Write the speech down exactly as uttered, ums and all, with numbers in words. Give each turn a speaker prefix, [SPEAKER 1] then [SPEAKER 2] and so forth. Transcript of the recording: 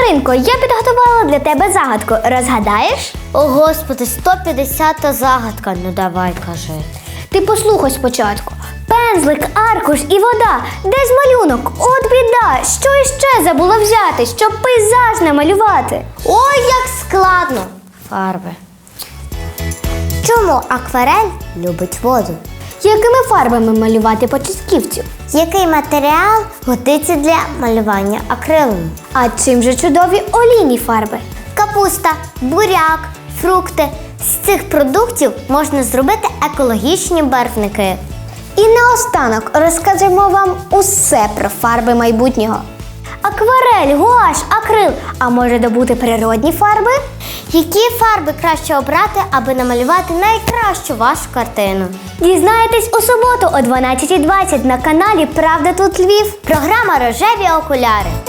[SPEAKER 1] Маринко, я підготувала для тебе загадку. Розгадаєш?
[SPEAKER 2] О, Господи, сто п'ятдесята загадка. Ну давай, кажи.
[SPEAKER 1] Ти послухай спочатку. Пензлик, аркуш і вода. Де ж малюнок? От біда. Що іще забула взяти, щоб пейзаж намалювати?
[SPEAKER 2] Ой, як складно. Фарби. Чому акварель любить воду?
[SPEAKER 1] Якими фарбами малювати початківців?
[SPEAKER 2] Який матеріал годиться для малювання акрилом?
[SPEAKER 1] А чим же чудові олійні фарби?
[SPEAKER 2] Капуста, буряк, фрукти. З цих продуктів можна зробити екологічні барвники.
[SPEAKER 1] І наостанок розкажемо вам усе про фарби майбутнього. Акварель, гуаш, акрил. А може добути природні фарби?
[SPEAKER 2] Які фарби краще обрати, аби намалювати найкращу вашу картину?
[SPEAKER 1] Дізнаєтесь у суботу о дванадцятій двадцять на каналі «Правда тут Львів».
[SPEAKER 2] Програма «Рожеві окуляри».